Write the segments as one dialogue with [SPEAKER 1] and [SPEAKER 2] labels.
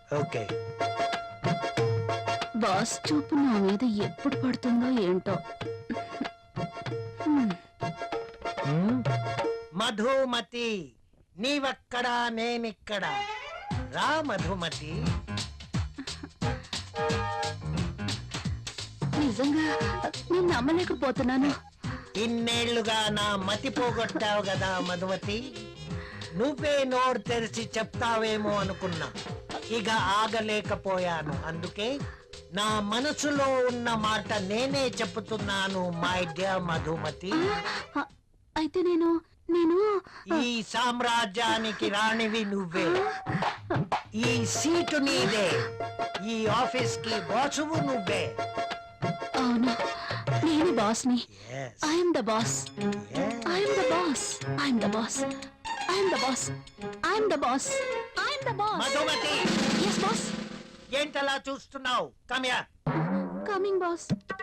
[SPEAKER 1] Okay.
[SPEAKER 2] Boss చూపు నా మీద ఎప్పుడు పడుతుందో ఏంటో.
[SPEAKER 1] మధుమతి, నీవక్కడా నేనిక్కడా. రా మధుమతి.
[SPEAKER 2] నిజంగా నేను నమ్మలేకపోతున్నాను.
[SPEAKER 1] ఇన్నేళ్లుగా నా మతి పోగొట్టావు కదా మధుమతి. నువ్వే నోరు తెరిచి చెప్తావేమో అనుకున్నా. ఇక ఆగలేకపోయాను. అందుకే నా మనసులో ఉన్న మాట నేనే చెప్తున్నాను మై డియర్ మధుమతి.
[SPEAKER 2] అయితే నేను నేను
[SPEAKER 1] ఈ సామ్రాజ్యానికి రాణివి నువ్వే. ఈ సీటు నీదే. ఈ ఆఫీస్ కి బాసువు నువ్వే.
[SPEAKER 2] అవును, నేను బాస్ని.
[SPEAKER 1] Yes.
[SPEAKER 2] I'm the boss. I'm the boss. I'm the boss. I'm the boss. I'm the boss. I'm the boss.
[SPEAKER 1] Madhumati,
[SPEAKER 2] yes boss.
[SPEAKER 1] ఏంటలా చూస్తున్నావు? Come here.
[SPEAKER 2] Coming boss.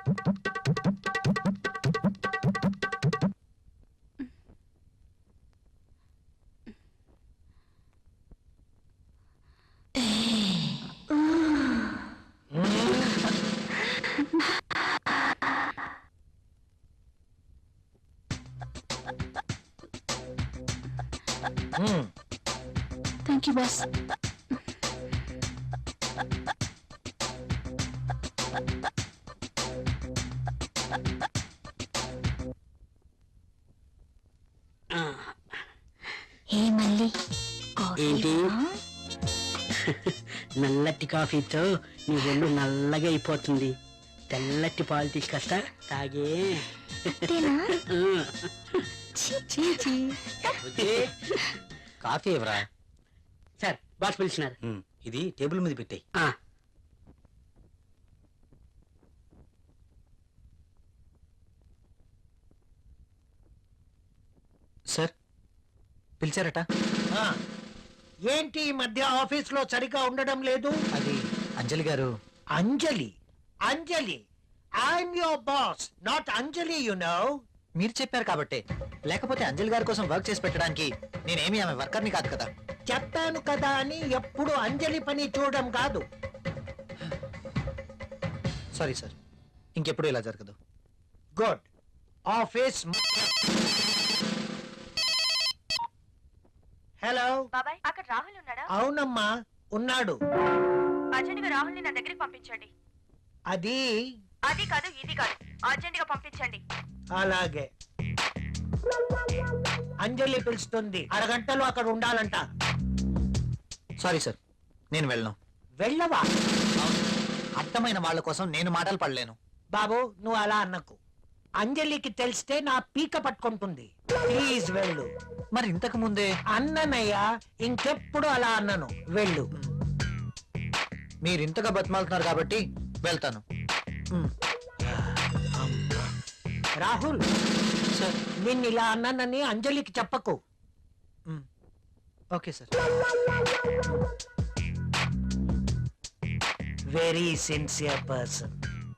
[SPEAKER 2] Thank you boss.
[SPEAKER 3] ఏ మళ్ళీ
[SPEAKER 4] ఏంటి నల్లటి కాఫీతో నీ ఒళ్ళు నల్లగా అయిపోతుంది. తెల్లటి పాలు తీసుకొస్తా తాగే.
[SPEAKER 5] కాఫీ ఎవరా?
[SPEAKER 4] Sir boss పిలిచినారు.
[SPEAKER 5] ఇది టేబుల్ మీద పెట్టాయి. సార్ పిలిచారట.
[SPEAKER 1] ఏంటి ఈ మధ్య ఆఫీస్ లో సరిగా ఉండడం లేదు?
[SPEAKER 5] అది అంజలి గారు.
[SPEAKER 1] అంజలి? అంజలి, I'm your boss, not Anjali, you know.
[SPEAKER 5] మీరు చెప్పారు కాబట్టి, లేకపోతే అంజలి గారి కోసం వర్క్ చేసి పెట్టడానికి నేనేమి ఆమె వర్కర్ని కాదు కదా.
[SPEAKER 1] చెప్పాను కదా అని ఎప్పుడు అంజలి పని చూడడం కాదు.
[SPEAKER 5] సారీ సార్, ఇంకెప్పుడు ఇలా జరగదు.
[SPEAKER 1] గుడ్. ఆఫీస్. హలో
[SPEAKER 6] బాబాయ్, అక్కడ రాహుల్ ఉన్నాడా?
[SPEAKER 1] అవునమ్మా, ఉన్నాడు.
[SPEAKER 6] అర్జెంట్ గా రాహుల్ ని నా దగ్గరికి పంపించండి.
[SPEAKER 1] అది
[SPEAKER 6] అది కాదు, ఇది కాదు, అర్జెంట్ గా పంపించండి.
[SPEAKER 1] అలాగే. అంజలి పిలుస్తుంది, అరగంటలో అక్కడ ఉండాలంట.
[SPEAKER 5] సారీ సార్, నేను వెళ్ళను.
[SPEAKER 1] వెళ్ళవా?
[SPEAKER 5] అర్థమైన వాళ్ళ కోసం నేను మాటలు పడలేను.
[SPEAKER 1] బాబు, నువ్వు అలా అన్నకు. అంజలికి తెలిస్తే నా పీక పట్టుకుంటుంది. ప్లీజ్ వెళ్ళు.
[SPEAKER 5] మరి ఇంతకు ముందే
[SPEAKER 1] అన్ననయ్యా, ఇంకెప్పుడు అలా అన్నను. వెళ్ళు.
[SPEAKER 5] మీరు ఇంతగా బతిమాలుతున్నారు కాబట్టి వెళ్తాను.
[SPEAKER 1] రాహుల్
[SPEAKER 5] సార్.
[SPEAKER 1] నిన్ను ఇలా అన్నానని అంజలికి చెప్పకు.
[SPEAKER 5] Okay sir.
[SPEAKER 1] Very sincere person.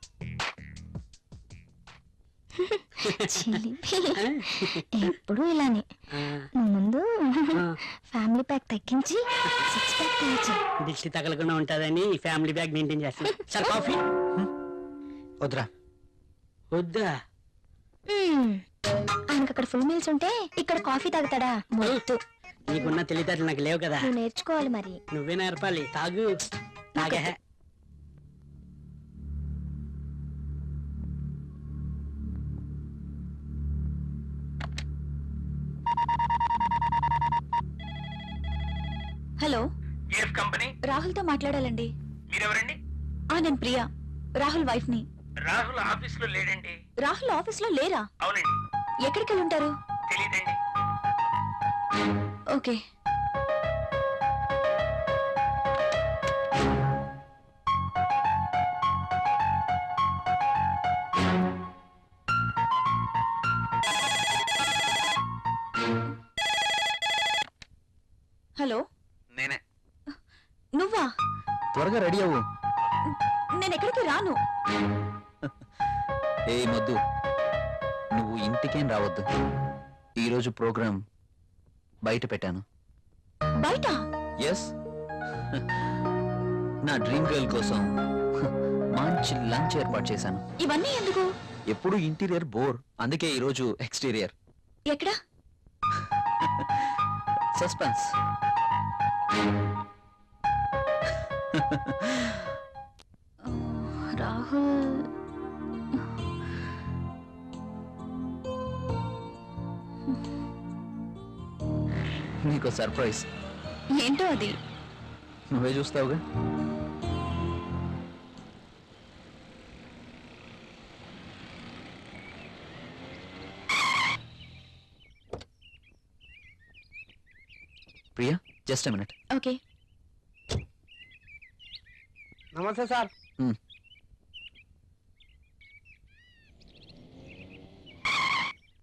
[SPEAKER 3] ఎప్పుడు ఇలానే. ముందు ఫ్యామిలీ ప్యాక్ తగ్గించి 6 ప్యాక్ తగ్గించి
[SPEAKER 4] దిష్టి తగలకుండా ఉంటుందని ఫ్యామిలీ బ్యాగ్ మెయింటైన్ చేస్తాను. సార్ కాఫీ
[SPEAKER 5] వద్దురా.
[SPEAKER 4] వద్దా?
[SPEAKER 3] ఆయనకు అక్కడ ఫుల్ మీల్స్ ఉంటే ఇక్కడ కాఫీ తాగుతాడా? మొద్దు.
[SPEAKER 4] నీకున్న తెలివితేటలు నాకు లేవు కదా.
[SPEAKER 3] నువ్వు నేర్చుకోవాలి మరి.
[SPEAKER 4] నువ్వే నేర్పాలి. తాగు. తాగే.
[SPEAKER 2] హలో,
[SPEAKER 7] కంపెనీ
[SPEAKER 2] రాహుల్ తో మాట్లాడాలండి.
[SPEAKER 7] మీరెవరండి?
[SPEAKER 2] నేను ప్రియా, రాహుల్ వైఫ్ ని.
[SPEAKER 7] రాహుల్ ఆఫీస్ లో లేడండి.
[SPEAKER 2] రాహుల్ ఆఫీస్ లో లేరా?
[SPEAKER 7] అవునండి.
[SPEAKER 2] ఎక్కడికి వెళ్ళి ఉంటారు?
[SPEAKER 7] తెలియదండి.
[SPEAKER 2] ఓకే. హలో,
[SPEAKER 7] నేనే.
[SPEAKER 2] నువ్వా?
[SPEAKER 5] త్వరగా రెడీ అవ్వు.
[SPEAKER 2] నేను ఎక్కడికి రాను.
[SPEAKER 5] ఏ మొద్దు, నువ్వు ఇంటికేం రావద్దు. ఈరోజు ప్రోగ్రాం బయట పెట్టాను.
[SPEAKER 2] బయట?
[SPEAKER 5] ఎస్. నా డ్రీమ్ గర్ల్ కోసం మంచి లంచ్ ఏర్పాటు చేశాను.
[SPEAKER 2] ఇవన్నీ ఎందుకు?
[SPEAKER 5] ఎప్పుడు ఇంటీరియర్ బోర్, అందుకే ఈరోజు ఎక్స్టీరియర్.
[SPEAKER 2] ఎక్కడ?
[SPEAKER 5] సస్పెన్స్.
[SPEAKER 2] రాహుల్
[SPEAKER 5] నీకు సర్ప్రైజ్.
[SPEAKER 2] ఏంటో అది?
[SPEAKER 5] నువ్వే చూస్తావుగా. Priya, just a minute.
[SPEAKER 2] Okay.
[SPEAKER 1] నమస్తే సార్.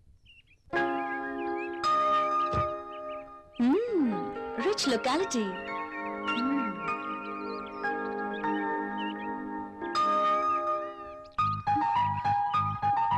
[SPEAKER 2] Rich locality.